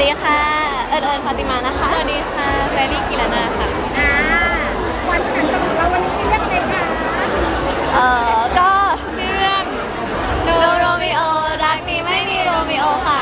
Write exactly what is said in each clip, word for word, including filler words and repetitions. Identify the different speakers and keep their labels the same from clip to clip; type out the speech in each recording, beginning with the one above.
Speaker 1: ดีค่ะเอิญเอิญฟาติมานะคะ
Speaker 2: สวัสดีค่ะแบรี่กิรนาค่ะ
Speaker 3: อ่าวันแถลงจบของเราวันนี้มีเรื่องอะไรคะ
Speaker 1: เอ่อก็
Speaker 2: ชื่อเรื่อง
Speaker 1: No Romeo รักนี้ไม่มีโรมิโอค่ะ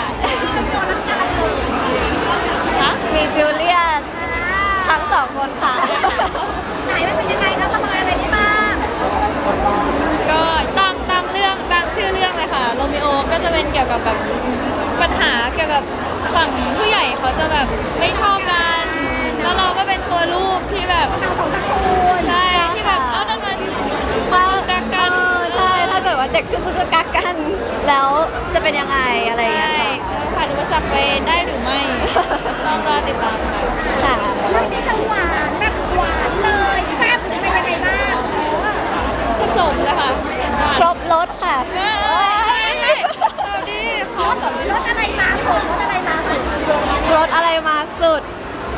Speaker 1: ฮะมีจูเลียตทั้งสองคนค่ะ
Speaker 3: ไหนมันเป็นยังไงคะสบายอะไรได้บ้าง
Speaker 2: ก็ตามตามเรื่องตามชื่อเรื่องเลยค่ะโรมิโอก็จะเป็นเกี่ยวกับแบบปัญหาเกี่ยวกับฝั่งผู้ใหญ่เขาจะแบบไม่ชอบกันแล้วเราก็เป็นตัวลูกที่แบบ
Speaker 3: เราสองตระกูล
Speaker 2: ใช่
Speaker 1: ใช่
Speaker 2: ที่แบบ
Speaker 1: ค่ะ
Speaker 2: เอ้านั่นมัน
Speaker 1: ถ้า
Speaker 2: กักกัน
Speaker 1: เออใช่ ถ้าเกิดว่าเด็กคือคือกักกัน แล้วจะเป็นยังไงอะไรอย่าง
Speaker 2: ใช่
Speaker 1: เงี้ยค่ะ
Speaker 2: ผ่านอุปสรรคไปได้หรือไม่ต้องรอติดตามค่ะ
Speaker 1: ค่ะ
Speaker 3: เรื่องนี้จะหวานแบบหวานเลยแซ่บหรือเป็นยังไงบ้างเออ
Speaker 2: ผสมเลยค่ะ
Speaker 1: ครบรถค่ะ
Speaker 2: เอ้ยเอาดิขอ
Speaker 3: รถรถอะไรมาสุดรถอะไรมาสุด
Speaker 1: รถอะไรมาสุด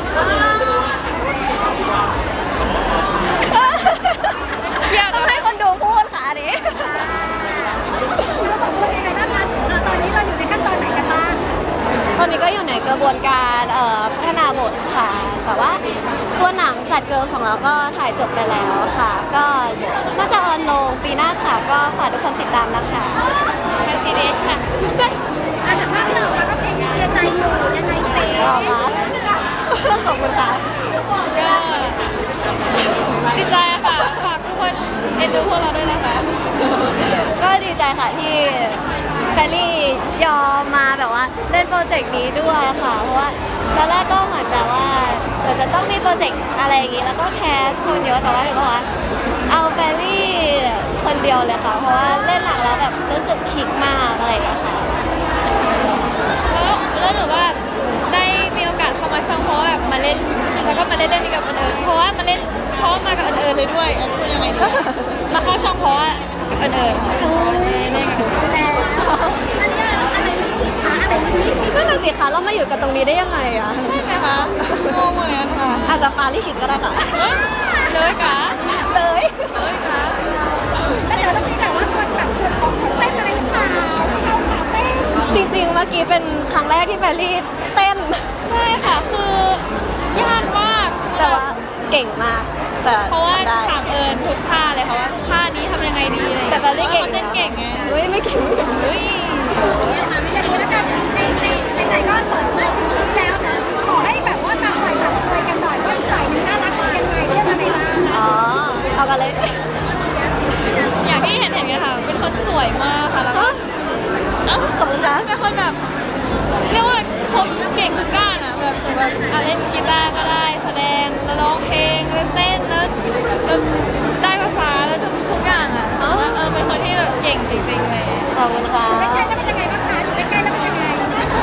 Speaker 2: อยาก
Speaker 1: ต้องให้คนดูพูดค่ะอันนี้
Speaker 3: คุณสองคนยังไงบ้างคะเอ่อตอนนี้เราอยู่ในขั้นตอนไหนกันบ้าง
Speaker 1: ตอนนี้ก็อยู่ในกระบวนการเอ่อพัฒนาบทค่ะ แต่ว่าตัวหนังแฟลตเกิร์ลของเราก็ถ่ายจบไปแล้วค่ะ ก็เดี๋ยวน่าจะออนลงปีหน้าค่ะ ก็ฝากทุกคนติดตามนะคะ
Speaker 2: แมจิเนชั่น
Speaker 1: ก็
Speaker 3: อาจจะภาพที่เราออกมาก็เพลงเสียใจอยู่ยังไงเซ่
Speaker 1: ออกมาขอบคุณค่ะ
Speaker 2: ก็ดีใจค่ะฝากทุกคนเอ็นดูพวกเราด้วยนะคะ
Speaker 1: ก็ดีใจค่ะที่แฟรรี่ยอมมาแบบว่าเล่นโปรเจกต์นี้ด้วยค่ะ เพราะว่าตอนแรกก็เหมือนแบบว่าเดี๋ยวจะต้องมีโปรเจกต์อะไรอย่างงี้แล้วก็แคสคนเยอะแต่ว่าหนูบอกว่าเอาแฟรรี่คนเดียวเลยค่ะ เพราะว่าเล่นหนังแล้วแบบรู้สึกคลิกมากอะไรอย่างเงี้ยค่ะ
Speaker 2: แล้วแล้วหนูก็ได้มีโอกาสเข้ามาช่องเพราะว่าแบบมาเล่นแล้วก็มาเล่นเล่นกับอันเอิญเพราะว่ามาเล่นเพราะว่ามากับอันเอิญเลยด้วยอ่ะคือยังไงดีมาเข้าช่องเพราะว่ากับอันเอิญค่ะเล่นเล่นกับอันเอิญ
Speaker 3: แล้วอันนี้อะไรไม่ผิดคะอะไรไม่ผิด
Speaker 1: ก็น่ะสิคะเรามาอยู่กันตรงนี้ได้ยังไงอะ
Speaker 2: ใช่ไหมคะงงเหมือนกันค่ะ
Speaker 1: อาจจะฟ้าลิขิตก็ได้ค่ะ
Speaker 2: เอ้ยเลยกะ
Speaker 1: เลย
Speaker 2: เลยกะ
Speaker 3: แล้วเดี๋ยวต้องมีแบบว่าชวนแบบชวนต้องชวนเต้นอะไรหรือเปล่าเข้าขาเต้น
Speaker 1: จริงๆ เมื่อกี้เป็นครั้งแรกที่แฟรรี่เต้น
Speaker 2: ใช่ค่ะคือยากมาก
Speaker 1: แต่ว่าเก่งมาก แต่
Speaker 2: เพราะว่า
Speaker 1: ได้
Speaker 2: ถามเอิญทุกท่าเลยค่ะว่าท่านี้ทำยังไงดีอะไรอย่าง
Speaker 1: แต่
Speaker 2: เงี้ย
Speaker 1: แฟรรี่เก่ง
Speaker 2: พราะว่าเขาเต้นเก่งไง
Speaker 1: เฮ้ยไม่เก่งไม่เก่ง
Speaker 2: เฮ้ย
Speaker 3: อย่างนี้แล้วกันในในในไหนก็เปิดตัวซีรีส์แล้วนะขอให้แบบว่าต่างฝ่ายต่างคุยกันหน่อยว่าอีกฝ่ายหนึงน่ารักยังไงเรื่องอะไรบ้าง
Speaker 1: อ๋อ เอากันเลย
Speaker 2: อย่างที่เห็นเห็นกันค่ะ เป็นคนสวยมากค่ะแล้วก็เอ้า
Speaker 1: ขอบคุณค่ะ
Speaker 2: เป็นคนแบบเรียกว่าคมเก่งทุกด้านอ่ะแบบแต่แบบอ่ะเล่นกีตาร์ก็ได้แสดงแล้วร้องเพลงแล้วเต้นแล้วแล้วได้ภาษาแล้วทุกทุกอย่างอ่ะรู้สึกว่าเออเป็นคนที่แบบเก่งจริงๆเลย
Speaker 1: ขอบคุณค่ะ
Speaker 3: ใกล้ๆแล้วเป็นยังไงบ้างคะอยู่ใกล้ๆแล้วเป็นยังไง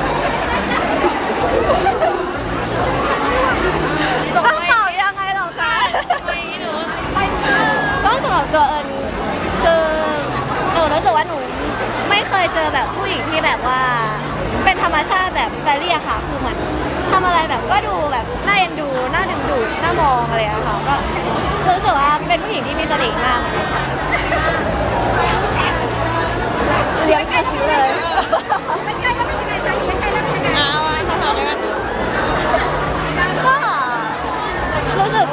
Speaker 2: ส่ง
Speaker 1: ต้อง
Speaker 2: ไป
Speaker 1: ตอบยังไงหรอคะ
Speaker 2: ส่งไปหนู
Speaker 1: ก็สำหรับตัวเอิญคือหนูรู้สึกว่าหนูไม่เคยเจอแบบผู้หญิงที่แบบว่า เป็นธรรมชาติแบบแฟรรี่อะค่ะ คือเหมือนทำอะไรแบบก็ดูแบบน่าเอ็นดูน่าดึงดูดน่ามองอะไรอะค่ะก็รู้สึกว่าเป็นผู้หญิงที่มีเสน่ห์มากเลยค่ะเลี้ยงสุชิเลย
Speaker 3: ใกล้ๆแล้วเป็นยังไงคะอยู่ใกล้ๆแล้วเป็นยังไง
Speaker 2: เอาอ่ะคำถามเลยกัน
Speaker 1: ก็รู้สึก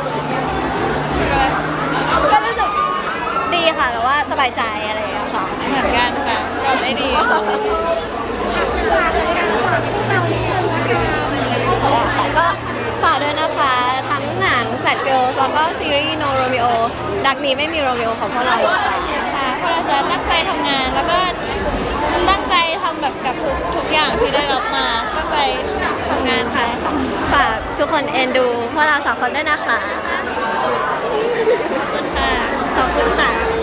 Speaker 1: ก็รู้สึกดีค่ะแบบว่าสบายใจอะไรอย่างเงี้ยค่ะ
Speaker 2: เหมือนกันค่ะตอบได้ดี
Speaker 3: ฝากเลยค่ะฝากพวกเรานิดนึงละกัน
Speaker 1: ค่ะก็ฝากด้วยนะคะ ทั้งหนัง Fat Girls แล้วก็ซีรีส์ No Romeo รักนี้ไม่มีโรมิโอของพวกเราค่ะ
Speaker 2: ค่ะเพราะเราจะตั้งใจทำงานแล้วก็ตั้งใจทำแบบกับทุกทุกอย่างที่ได้รับมาตั้งใจทำงานค่ะ
Speaker 1: ฝากทุกคนเอ็นดูพวกเราสองคนด้วยนะคะ
Speaker 2: ขอบคุณค่ะ
Speaker 1: ขอบคุณค่ะ